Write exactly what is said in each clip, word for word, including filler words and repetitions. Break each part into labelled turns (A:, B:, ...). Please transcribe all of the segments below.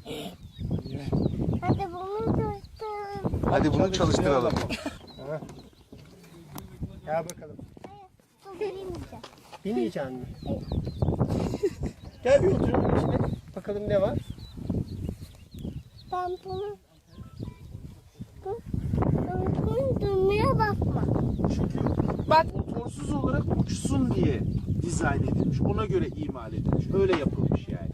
A: Hadi bunu çalıştıralım.
B: Hadi bunu çalıştıralım.
C: Gel bakalım.
A: Bu bilemeyeceğim.
C: Binmeyeceksin mi? Gel bir oturalım içine. Bakalım ne var?
A: Ben bunu... Bu... Bunu durmaya bakma.
D: Çünkü bak motorsuz olarak uçsun diye dizayn edilmiş. Ona göre imal edilmiş. Öyle yapılmış yani.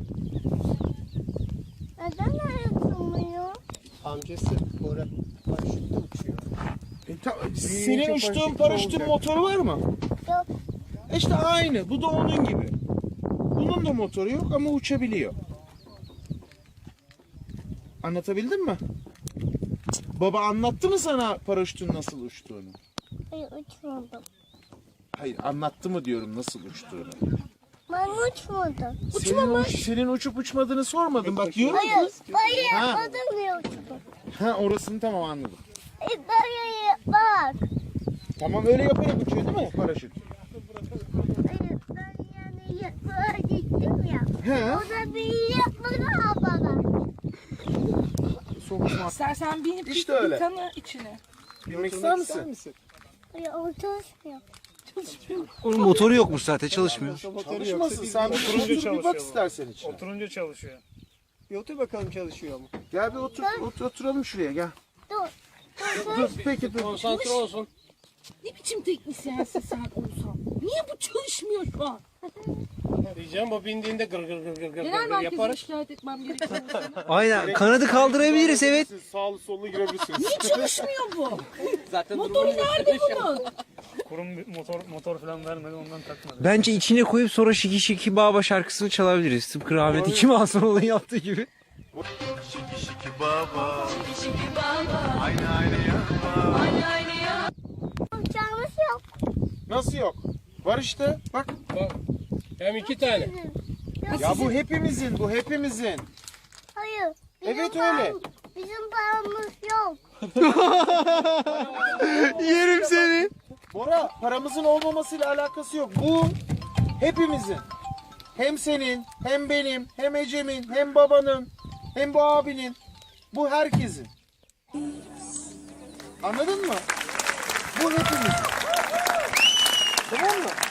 A: Neden öyle durmuyor?
C: Amcası Bora paraşütle uçuyor.
D: E, ta-
C: Büyüyünce
D: senin uçtuğun
C: paraşütle
D: paraşütün
C: olacak.
D: motoru var mı?
A: Yok.
D: E İşte aynı. Bu da onun gibi. Bunun da motoru yok ama uçabiliyor. Anlatabildim mi? Baba anlattı mı sana paraşütün nasıl uçtuğunu?
A: Hayır uçmadım.
D: Hayır, anlattı mı diyorum nasıl uçtuğunu.
A: Ben uçmadım.
D: Senin, uç- senin uçup uçmadığını sormadım. Bak diyorum ki.
A: Hayır. Hayır
D: Ha.
A: yapmadım diye uçtum.
D: Ha orasını tamam anladım.
A: E, dayı bak.
D: Tamam öyle yaparak uçuyor değil mi paraşüt?
A: Hayır ben yani yapmaya gittim ya.
D: He.
A: O da bir yapmadı bana.
D: Sokma.
E: İstersen binip
D: İşte
E: bir
D: öyle.
E: kanı içine.
D: Bilmek ister misin?
A: Hayır o çalışmıyor.
B: Onun motoru yokmuş zaten, çalışmıyor.
D: Çalışmasın. Sen bir otur bir bak istersen içine.
F: Oturunca çalışıyor.
C: Bir otur bakalım çalışıyor mu?
D: Gel bir otur, otur oturalım şuraya gel.
A: Dur.
D: Dur peki dur.
F: Konsantre olsun.
E: Ne biçim teknisyensin sen Oğuzhan? Niye bu çalışmıyor şu an?
F: Diyeceğim o bindiğinde gır gır gır gır gır
E: Genel
F: gır
E: merkeze
F: yaparız.
E: şikayet etmem gerekiyor.
B: Aynen, kanadı kaldırabiliriz evet.
D: Siz sağlı sollu girebilirsiniz.
E: Niye çalışmıyor bu?
F: Zaten
E: Motoru nerede bunun?
F: Kurum bir motor motor falan vermedi ondan takmadı.
B: Bence içine koyup sonra Şiki Şiki Baba şarkısını çalabiliriz. Tıpkı rahmetli Kim Asanoğlu'nun yaptığı gibi.
G: Şiki şiki baba. Şiki şiki baba. Aynı aynı yapma. Aynı aynı yapma.
A: Uçağımız yok.
D: Nasıl yok? Var işte. Bak.
F: Bak. Hem iki tane.
D: Ya bu hepimizin, bu hepimizin.
A: Hayır. Bizim
D: Evet,
A: param-
D: öyle.
A: Bizim paramız yok.
B: Yerim seni.
D: Bora, paramızın olmamasıyla alakası yok. Bu hepimizin. Hem senin, hem benim, hem Ecem'in, hem babanın, hem bu abinin. Bu herkesin. Anladın mı? Bu hepimizin. Tamam mı?